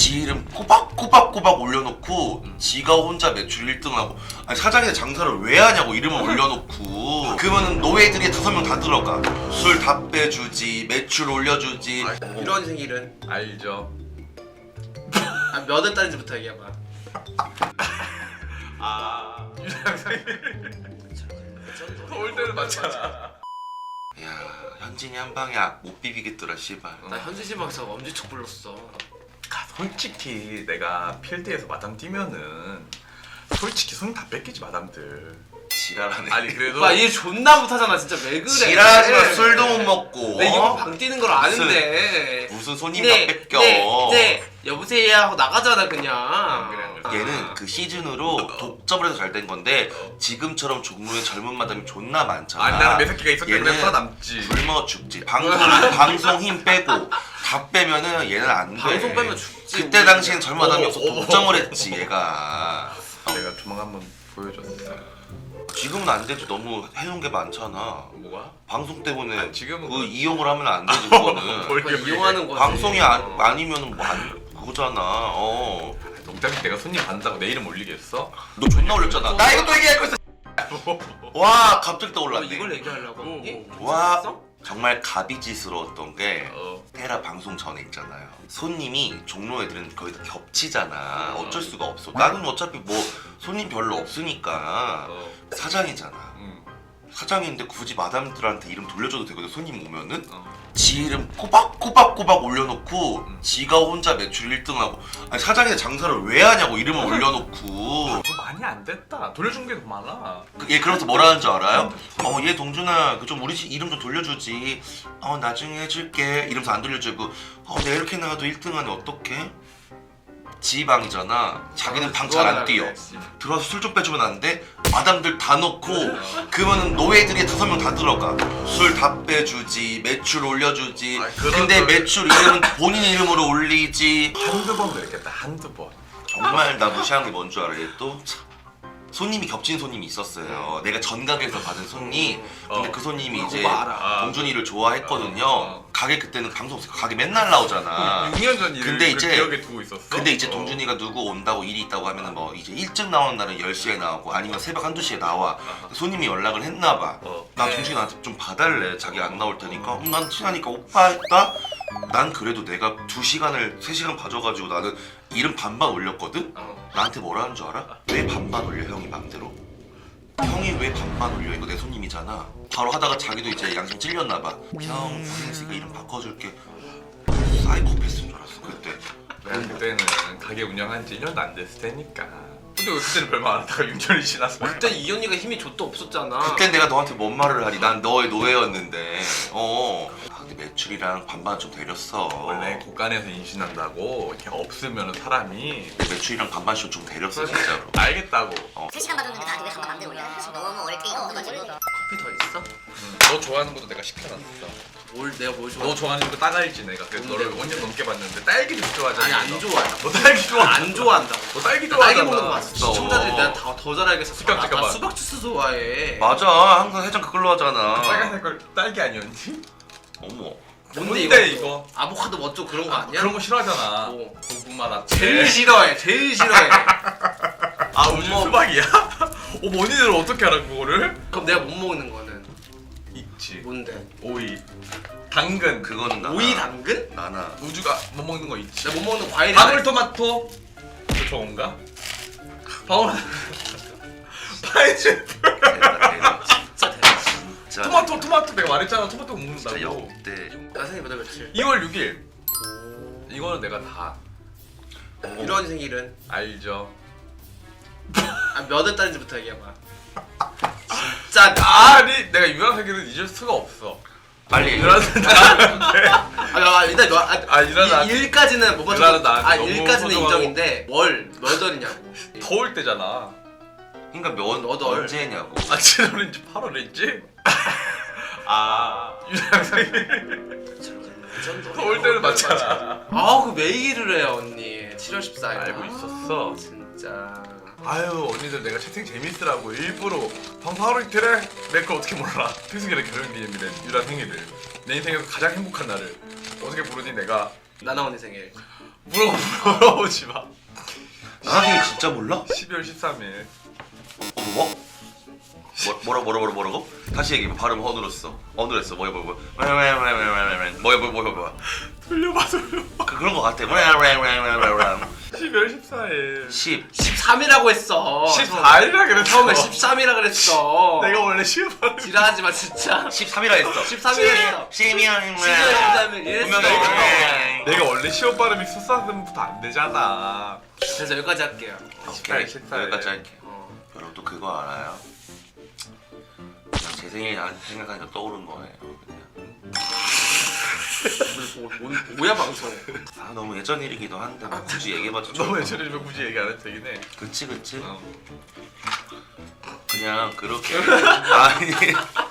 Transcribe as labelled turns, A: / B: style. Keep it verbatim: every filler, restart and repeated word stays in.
A: 지 이름 꼬박꼬박꼬박 올려놓고 음. 지가 혼자 매출 일 등하고 아니 사장이 장사를 왜 하냐고 이름을 올려놓고 그러면은 노예들이 다섯 명 다 들어가 술 다 빼주지 매출 올려주지.
B: 아, 이런 생일은
C: 알죠.
B: 아, 몇 월 달인지부터 얘기해봐.
C: 아 유랑 생일 올 때는 맞잖아.
A: 야 현진이 한 방에 못 비비겠더라 씨발.
B: 나 현지지방에서 엄지척 불렀어.
C: 아, 솔직히 내가 필드에서 마담 뛰면은 솔직히 손 다 뺏기지 마담들.
A: 지랄하네.
C: 아니 그래도
B: 오빠 얘 존나 못하잖아 진짜 왜 그래.
A: 지랄하지마. 술도 못 먹고
B: 내
A: 어?
B: 이거 방 뛰는 걸 아는데.
A: 무슨 손님
B: 네,
A: 다 뺏겨.
B: 네, 네 여보세요 하고 나가잖아 그냥.
C: 그래,
A: 얘는 그 시즌으로 독점을 해서 잘 된 건데 지금처럼 종로에 젊은 마담이 존나 많잖아.
C: 아니 나는 매새끼가 있었기 때문에
A: 얘는
C: 살아남지.
A: 굶어 죽지. 방송 방송 힘 빼고 다 빼면은 얘는 안 돼.
B: 방송 빼면 죽지.
A: 그때 당시엔 젊은 마담이
C: 어,
A: 없어
C: 어,
A: 독점을 했지 얘가.
C: 내가 조만간 한번 보여줬어.
A: 지금은 안 되지. 너무 해놓은 게 많잖아.
C: 뭐가?
A: 방송 때문에
C: 아니, 지금은
A: 그
C: 그-
A: 이용을 하면 안 되지 그거는.
C: 뭘
B: 그거 이용하는 거지.
A: 방송이 아,
B: 어.
A: 아니면은 뭐 안, 그거잖아. 어.
C: 어차피 내가 손님 받는다고 내 이름 올리겠어?
A: 너 존나 올렸잖아. 나 이거 또 얘기할 거 있어. 와 갑자기
B: 너
A: 떠올랐네.
B: 이걸 얘기하려고
C: 오,
B: 했니?
A: 와.
B: 괜찮았어?
A: 정말 가비지스러웠던 게
C: 어.
A: 테라 방송 전에 있잖아요. 손님이 종로 애들은 거의 다 겹치잖아. 어쩔 수가 없어. 나는 어차피 뭐 손님 별로 없으니까
C: 어.
A: 사장이잖아.
C: 응.
A: 사장인데 굳이 마담들한테 이름 돌려줘도 되거든. 손님 오면은
C: 어.
A: 지 이름 꼬박꼬박꼬박 올려놓고
C: 음.
A: 지가 혼자 매출 일 등하고 아니 사장이 장사를 왜 하냐고 이름을 올려놓고
C: 그거 많이 안 됐다. 돌려준 게 더 많아.
A: 그- 얘 그러면서 뭐라 하는 줄 알아요? 어 얘 동준아 그 좀 우리 집 이름 좀 돌려주지. 어 나중에 해줄게 이러면서 안 돌려주고 어 내가 이렇게 나가도 일 등 하네 어떡해? 지방이잖아. 자기는 방 잘 안 뛰어. 들어와서 술 좀 빼주면 안 돼? 마담들 다 넣고 그러면은 노예들이 다섯 명 다 들어가 술 다 빼주지 매출 올려주지.
C: 아이, 그런
A: 근데
C: 소리.
A: 매출 이름은 본인 이름으로 올리지.
C: 한두 번 그랬겠다. 한두 번.
A: 정말 나 무시한 게 뭔 줄 알아? 얘 또 참. 손님이 겹친 손님이 있었어요. 내가 전가게에서 받은 손님. 근데
C: 어.
A: 그 손님이 이제
B: 그거 알아.
A: 동준이를 좋아했거든요.
C: 어.
A: 가게 그때는 방송 없으니까 가게 맨날 나오잖아.
C: 육 년 전 일을
A: 근데
C: 그
A: 이제-
C: 기억에 두고 있었어.
A: 근데 이제
C: 어.
A: 동준이가 누구 온다고 일이 있다고 하면은 뭐 이제 일찍 나오는 날은 열 시에 나오고 아니면 새벽 한두 시에 나와. 손님이 연락을 했나 봐.
C: 어.
A: 나
B: 네.
A: 동준이 나한테 좀 봐달래. 자기 안 나올 테니까. 음, 난 친하니까 오빠 했다? 난 그래도 내가 두 시간을 세 시간 봐줘가지고 나는 이름 반반 올렸거든?
B: 어.
A: 나한테 뭐라 하는 줄 알아? 왜 반반 올려 형이 맘대로? 형이 왜 반반 올려? 이거 내 손님이잖아. 바로 하다가 자기도 이제 양심 찔렸나 봐. 형 고생했으니까 이름 바꿔줄게. 사이코패스인 줄 알았어 그때.
C: 내가 그때는 가게 운영한 지 일 년도 안 됐을 테니까. 근데 왜 그때는 별말 안 하다가 육 년이 지났어.
B: 그때 이 언니가 힘이 좆도 없었잖아.
A: 그땐 내가 너한테 뭔 말을 하니? 난 너의 노예였는데. 어. 아, 근데 매출이랑 반반 좀 데렸어.
C: 원래 곳간에서 임신한다고 이렇게 없으면 사람이
A: 매출이랑 반반씩 좀 데렸어 진짜로.
C: 알겠다고.
D: 세 시간 봐줬는데 나한테 왜 한번 맘대로 올려? 너무 어렵게 이어가지고
B: 커피 더 있어?
C: 응. 너 좋아하는 것도 내가 시켜놨어.
B: 뭘 내가 뭘 좋아?
C: 너 좋아하는 거 따갈지 내가. 그래서
B: 뭔데?
C: 너를 오 년 넘게 봤는데 딸기도 좋아하잖아.
B: 아니 안 좋아해.
C: 너 딸기 좋아.
B: 안 좋아한다고.
C: 너 딸기
B: 나
C: 좋아하잖아.
B: 딸기 먹는 거 봤어. 시청자들이 내가 다 더 잘 알겠어.
C: 잠깐,
B: 나- 나
C: 잠깐만.
B: 수박 주스 좋아해.
A: 맞아. 항상 해장 그걸로 하잖아.
C: 빨간색 걸 딸기 아니었니?
A: 어머.
C: 뭔데
B: 이거?
C: 이거?
B: 아보카도 멋져 그런 거 아니야?
C: 그런 거 싫어하잖아.
B: 뭐.
C: 고구마 라떼.
B: 제일 싫어해. 제일 싫어해.
C: 아 우주
B: 뭐-
C: 수박이야? 어 언니들 어떻게 알아 그거를?
B: 그럼 내가 못 먹는 거는
C: 있지.
B: 뭔데?
C: 오이, 당근.
A: 그거는 나나.
B: 오이 당근?
A: 나나.
C: 우주가 못 먹는 거 있지.
B: 내가 못 먹는 과일이
C: 방울토마토. 그 저건가? 방울. 파인애플.
A: 대박 대박.
B: 진짜 대박.
A: 진짜.
C: 토마토 토마토 내가 말했잖아. 토마토
A: 진짜
C: 먹는다고.
A: 역대.
B: 나 생일 몇월 며칠?
C: 이월 육일. 이거는 내가 다
B: 이런 생일은
C: 알죠.
B: 아, 몇월 달인지부터 얘기해봐. 진짜
C: 아니 내가 유랑생일은 잊을 수가 없어.
A: 빨리 얘기해.
C: 유랑생 나한테.
B: 아, 아 일단 몇, 아,
C: 아, 일어나.
B: 일- 일까지는 못
C: 일어나,
B: 맞춰도
C: 나한테
B: 아
C: 너무
B: 일까지는
C: 소중하고.
B: 인정인데 월 몇 월이냐고.
C: 더울 때잖아.
A: 그러니까 몇
B: 너덜.
A: 언제냐고.
C: 아 칠월인지 팔월인지? 아 유랑생일. 더울 때는 맞잖아.
B: 아그 왜 얘기를 해 언니. 칠월 십사일.
C: 알고 있었어.
B: 진짜.
C: 아유 언니들 내가 채팅 재밌으라고 일부러 방송 하루 이틀에 내 거 어떻게 몰라. 태승이랑 결혼기념일에 유라 생일을 내 인생에서 가장 행복한 날을 어떻게 부르니 내가.
B: 나나 언니 생일.
C: 물어 물어보지 마.
A: 나 생일 진짜 몰라?
C: 십이월 십삼일.
A: 어, 뭐? 뭐, 뭐라 뭐라 뭐라 뭐라고? 다시 얘기해. 발음 어눌었어. 어눌했어. 뭐야 뭐야 뭐야. 뭐야 뭐야 뭐야 뭐야 뭐야 뭐야 뭐야 뭐야.
C: 돌려봐 돌려봐.
A: 그 그런 거 같아. 뭐야 뭐야 뭐야 뭐야 뭐야.
C: 십이월 십사일.
A: 십.
B: 십삼이라고 했어.
C: 십사일이라 그랬어.
B: 처음에 십삼이라 그랬어.
C: 내가 원래 시험 발음.
B: 지랄하지 마 진짜.
A: 십삼이라 했어.
B: 십삼이라 했어.
A: 십이면
B: 십삼일 이랬어.
A: 분명히
C: 내가 원래 시험 발음이 수사음부터 안 되잖아.
B: 그래서 여기까지 할게요.
A: 오케이.
C: 십사일.
A: 여기까지 할게.
B: 어.
A: 여러분 또 그거 알아요? 그냥 제 생일 생각하니까 떠오른 거예요. 그냥.
B: 뭐, 뭐, 뭐야 방송.
A: 아 너무 예전 일이기도 한데 뭐 굳이 얘기해봤자 좋을
C: 너무
A: 것
C: 예전이면 굳이 얘기 안 해도 되긴 해.
A: 같아. 그치 그치.
C: 어.
A: 그냥 그렇게 아니